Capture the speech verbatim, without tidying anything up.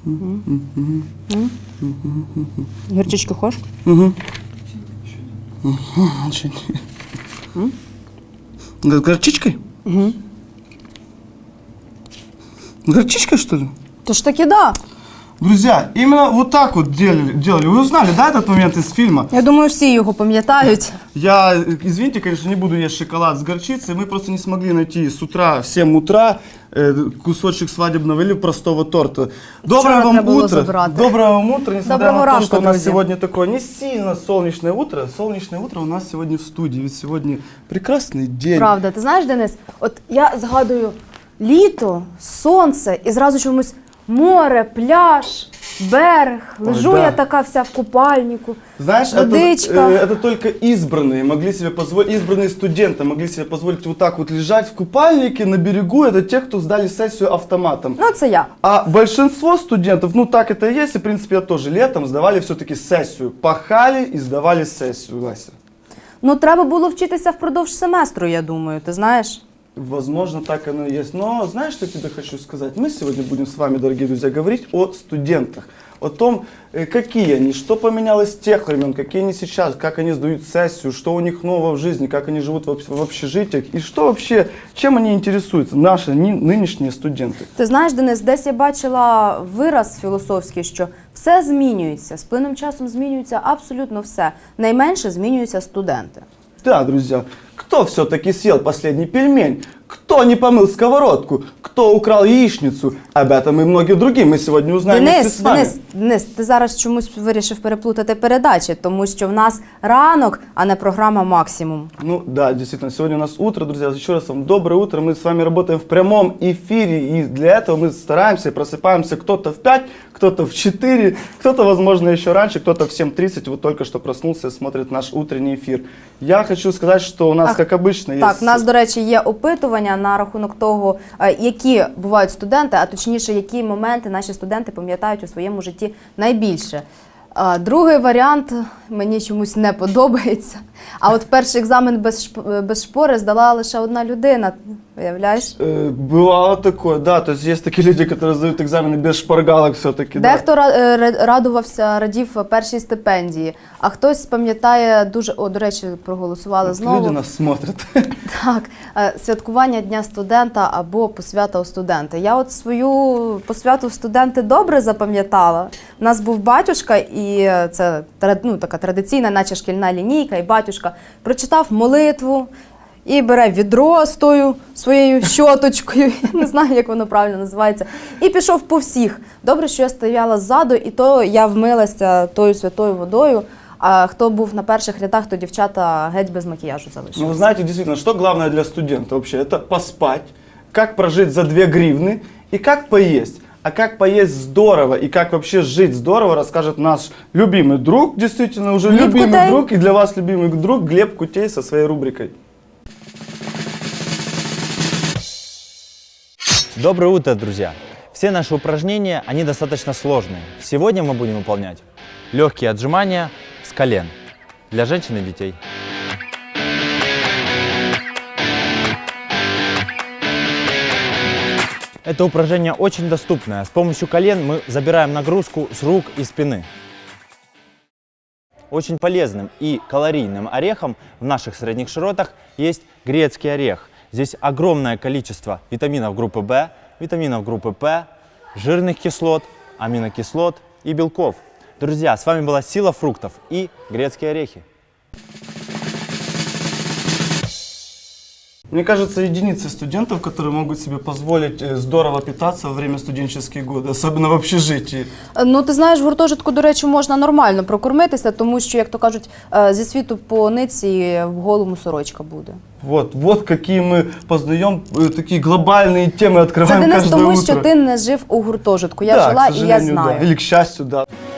Гірчички хочеш? Угу. Горчичкой? Угу. Горчичкой, что ли? То ж таки да. Друзья, именно вот так вот делали. делали. Вы узнали, да, этот момент из фильма? Я думаю, всі його пам'ятають. Я, извините, конечно, не буду есть шоколад с горчицей. Мы просто не смогли найти с утра, в семь утра, э, кусочек свадебного или простого торта. Доброе Вчора вам треба було утро. забрати. Доброго вам утра, несмотря Доброго на то, ранку, что у нас друзі. сегодня такое не сильно солнечное утро. Солнечное утро у нас сегодня в студии. Ведь сегодня прекрасный день. Правда, ти знаєш, Денис, от я згадую літо, сонце і зразу чомусь море, пляж, берег. Лежу Ой, да. я така вся в купальнику, Знаешь, это, водичка. э, это только избранные могли себе позволить, избранные студенты могли себе позволить вот так вот лежать в купальнике на берегу. Это те, кто сдали сессию автоматом. Ну, це я. А большинство студентов, ну так это и есть, и в принципе я тоже летом сдавали все-таки сессию. Пахали и сдавали сессию, Вася. Ну, треба було вчитися впродовж семестру, я думаю, ти знаєш? Возможно, так оно и есть. Но знаешь, что я тебе хочу сказать? Мы сегодня будем с вами, дорогие друзья, говорить о студентах. О том, э, какие они, что поменялось с тех времен, какие они сейчас, как они сдают сессию, что у них нового в жизни, как они живут в об- в общежитиях. И что вообще, чем они интересуются, наши ни- нынешние студенты. Ти знаєш, Денис, десь я бачила вираз філософський, що все змінюється, з плином часом змінюється абсолютно все. Найменше змінюються студенти. Да, друзья, кто все-таки съел последний пельмень? Кто не помыл сковородку? Кто украл яичницу? Об этом и многие другие мы сегодня узнаем вместе Денис, с вами. Денис, Денис, ти зараз чомусь вирішив переплутати передачі, тому що в нас ранок, а не програма «Максимум». Ну да, действительно, сегодня у нас утро, друзья. Еще раз вам доброе утро. Мы с вами работаем в прямом эфире, и для этого мы стараемся и просыпаемся кто-то в пять, кто-то в четыре, кто-то, возможно, еще раньше, кто-то в семь тридцать. Вот только что проснулся и смотрит наш утренний эфир. Я хочу сказать, что у нас, Ах, как обычно, Так, есть... у нас, до речі, є опитування на рахунок того, е, які бувають студенти, а точніше, які моменти наші студенти пам'ятають у своєму житті найбільше. Е, Другий варіант мені чомусь не подобається. А от перший екзамен без, шп- без шпори здала лише одна людина, уявляєш? Э, Бывало такое, да, то есть есть такие люди, которые сдают экзамены без шпаргалок все-таки. Да. Дехто ра- е, ра- радувався, радів першій стипендії, а хтось пам'ятає дуже, о, до речі, проголосували знову. Люди нас смотрят. Так, е, святкування Дня студента або посвята у студенти. Я от свою посвяту в студенти добре запам'ятала. У нас був батюшка, і це тра- ну, така традиційна, наче шкільна лінійка, і батюшка прочитав молитву і бере відро з тою своєю щоточкою, я не знаю, як воно правильно називається, і пішов по всіх. Добре, що я стояла ззаду, і то я вмилася тою святою водою. А хто був на перших рядах, то дівчата геть без макіяжу залишилися. Ну, вы знаете, действительно, что главное для студента вообще? Это поспать, как прожить за две гривны и как поесть. А как поесть здорово и как вообще жить здорово, расскажет наш любимый друг, действительно уже Глеб любимый Кутей. друг, и для вас любимый друг Глеб Кутей со своей рубрикой. Доброе утро, друзья! Все наши упражнения, они достаточно сложные. Сегодня мы будем выполнять легкие отжимания с колен для женщин и детей. Это упражнение очень доступное. С помощью колен мы забираем нагрузку с рук и спины. Очень полезным и калорийным орехом в наших средних широтах есть грецкий орех. Здесь огромное количество витаминов группы В, витаминов группы П, жирных кислот, аминокислот и белков. Друзья, с вами была Сила фруктов и грецкие орехи. Мне кажется, единицы студентов, которые могут себе позволить э, здорово питаться во время студенческие годы, особенно в общежитии. Ну, ти знаєш, в гуртожитку, до речі, можна нормально прокормитися, тому що, як то кажуть, е, зі світу по ниці в голому сорочка буде. Вот, вот какие мы познаем, э, такие глобальные темы Це, открываем Денис, каждое тому утро. що ти не жив у гуртожитку. Я Да, жила к і я сожалению, знаю. да. Или к счастью, да.